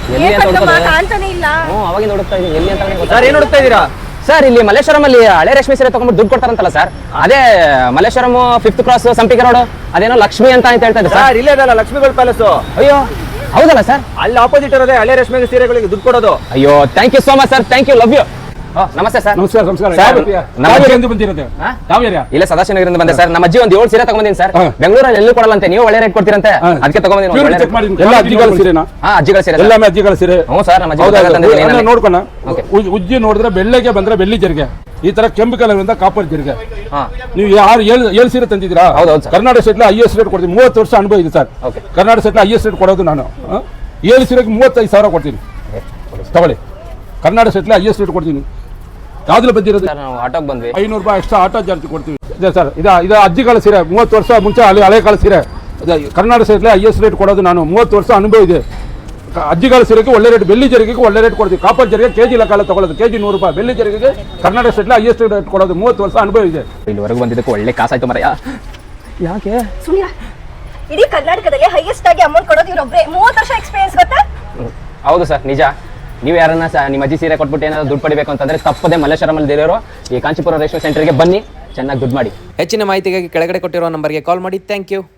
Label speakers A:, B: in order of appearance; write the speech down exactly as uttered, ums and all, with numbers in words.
A: ಎಲ್ಲಿ ಅಂತ ಹುಡುಕೋದು
B: ಕಾಣ್ತಾನೆ ಇಲ್ಲ.
A: ಹ್ಞೂ ಅವಾಗಿಂದ ಹುಡುಕ್ತಾ ಇದೀನಿ ಎಲ್ಲಿ ಅಂತ.
C: ಸರ್ ಏನು ಹುಡುಕ್ತಾ ಇದ್ದೀರಾ
A: ಸರ್? ಇಲ್ಲಿ ಮಲ್ಲೇಶ್ವರಂ ಅಲ್ಲಿ ಹಳೆ ರೇಷ್ಮೆ ಸೀರೆ ತಗೊಂಡ್ಬಿಟ್ಟು ದುಡ್ಡು ಕೊಡ್ತಾರಂತಲ್ಲ ಸರ್, ಅದೇ Malleshwaram fifth cross Sampige road, ಅದೇನೋ ಲಕ್ಷ್ಮಿ ಅಂತ ಅಂತ ಹೇಳ್ತಾ ಇದ್ದಾರೆ
C: ಸರ್. ಇಲ್ಲೇ ಇದಲ್ಲ ಲಕ್ಷ್ಮೀಗೋಲ್ಡ್ ಪ್ಯಾಲೇಸ್.
A: ಅಯ್ಯೋ ಹೌದಲ್ಲ ಸರ್?
C: ಅಲ್ಲಿ ಆಪೋಸಿಟ್ ಇರೋದೇ ಹಳೆ ರೇಷ್ಮೆ ಸೀರೆಗಳಿಗೆ ದುಡ್ಡು ಕೊಡೋದು.
A: ಅಯ್ಯೋ thank you so much sir, thank you, love you. ನಮಸ್ತೆ ಸರ್.
D: ನಮಸ್ಕಾರ ನಮಸ್ಕಾರ.
A: ಇಲ್ಲ ಸದಾಶಿವನಗರದಿಂದ ಬಂದೆ ಸರ್. ನಮ್ಮ ಅಜ್ಜಿ ಒಂದು ಏಳು ಸೀರೆ ತಗೊಂಡಿದ್ದೀನಿ ಸರ್. ಬೆಂಗಳೂರಲ್ಲಿ ಎಲ್ಲೂ ಕೊಡಲ್ಲಂತೆ, ನೀವು ಒಳ್ಳೆ ರೇಟ್ ಕೊಡ್ತೀರಂತೆ, ಅದಕ್ಕೆ ತಗೊಂಡಿದ್ದೀನಿ.
D: ಎಲ್ಲ ಅಜ್ಜಿಗಳ ಸೀರೆನಾ?
A: ಹಾ ಅಜ್ಜಿಗಳ ಸೀರೆ,
D: ಎಲ್ಲಾಮೇ ಅಜ್ಜಿಗಳ ಸೀರೆ.
A: ಹ್ಞೂ ಸರ್, ನಮ್ಮ ಅಜ್ಜಿ
D: ನೋಡ್ಕೋಣ. ಉಜ್ಜಿ ನೋಡಿದ್ರೆ ಬೆಳ್ಳಿಗೆ ಬಂದ್ರೆ ಬೆಳ್ಳಿ ಜರಿಗೆ, ಈ ತರ ಕೆಂಪು ಕಲರ್ ಇಂದ ಕಾಪರ್ ಜರಿಗೆ. ನೀವು ಯಾರು ಏಳು ಸೀರೆ ತಂದಿದ್ದೀರಾ? Karnataka state I S rate ಕೊಡ್ತೀನಿ. ಮೂವತ್ತು ವರ್ಷ ಅನುಭವ ಇದೆ sir. Karnataka state I S rate ಕೊಡೋದು ನಾನು. ಏಳು ಸೀರೆಗೆ ಮೂವತ್ತೈದು ಸಾವಿರ ಕೊಡ್ತೀನಿ, ತಗೊಳ್ಳಿ. Karnataka state I S rate ಕೊಡ್ತೀನಿ. ಯಾವ್ದು ಬಂದಿರೋದು?
A: ಆಟೋಗೆ ಬಂದ್ವಿ,
D: ಐನೂರು ರೂಪಾಯಿ ಎಕ್ಸ್ಟ್ರಾ ಆಟೋ ಚಾರ್ಜ್ ಕೊಡ್ತೀವಿ. ಇದೆ ಸರ್, ಇದು ಇದು ಅಜ್ಜಿಗಳ ಸೀರೆ. ಮೂವತ್ತು ವರ್ಷ ಮುಂಚೆ ಅಲ್ಲಿ ಹಳೆ ಕಾಲ ಸೀರೆ. Karnataka state I S rate ಕೊಡೋದು ನಾನು. ಮೂವತ್ತು ವರ್ಷ ಅನುಭವ ಇದೆ. ಅಜ್ಜಿಗಳ ಸೀರೆಗೆ ಒಳ್ಳೆ ರೇಟ್, ಬೆಳ್ಳಿ ಜರಿಗೆಗೆ ಒಳ್ಳೆ ರೇಟ್ ಕೊಡ್ತೀವಿ. ಕಾಪರ್ ಜರಿಗೆ ಕೆಜಿ ಲೆಕ್ಕ ತಗೊಳ್ಳೋದು, ಕೆಜಿ ನೂರು ರೂಪಾಯಿ. ಬೆಳ್ಳಿ ಜರಿಗೆಗೆ Karnataka state I S rate ಕೊಡೋದು. ಮೂವತ್ತು ವರ್ಷ ಅನುಭವ ಇದೆ.
A: ಇಲ್ಲಿವರೆಗೂ ಬಂದಿದ್ದಕ್ಕೆ ಒಳ್ಳೆ ಕಾಸಾಯ್ತು ಮರ. ಯಾಕೆ
B: ಸುನಿಯಾ, ಇಡೀ ಕರ್ನಾಟಕದಲ್ಲಿ ಹೈಯೆಸ್ಟ್ ಆಗಿ ಅಮೌಂಟ್ ಕೊಡೋದು ಇವ್ರೊಬ್ರೆ. ಮೂವತ್ತು ವರ್ಷ ಎಕ್ಸ್ಪೀರಿಯನ್ಸ್ ಗೊತ್ತಾ?
A: ಹೌದು ಸರ್, ನಿಜ. ನೀವು ಯಾರನ್ನ ನಿಮ್ಮ ಅಜ್ಜಿ ಸೀರೆ ಕೊಟ್ಬಿಟ್ಟು ಏನಾದ್ರು ದುಡ್ಡು ಪಡಿಬೇಕು ಅಂತಂದ್ರೆ ತಪ್ಪದೆ ಮಲ್ಲೇಶ್ವರಮಲ್ಲಿ ಇರೋರು ಈ ಕಾಂಚೀಪುರ ರೇಷ್ಮೆ ಸೆಂಟರ್ಗೆ ಬನ್ನಿ, ಚೆನ್ನಾಗಿ ದುಡ್ಡು ಮಾಡಿ.
E: ಹೆಚ್ಚಿನ ಮಾಹಿತಿಗಾಗಿ ಕೆಳಗಡೆ ಕೊಟ್ಟಿರುವ ನಂಬರ್ಗೆ ಕಾಲ್ ಮಾಡಿ. Thank you.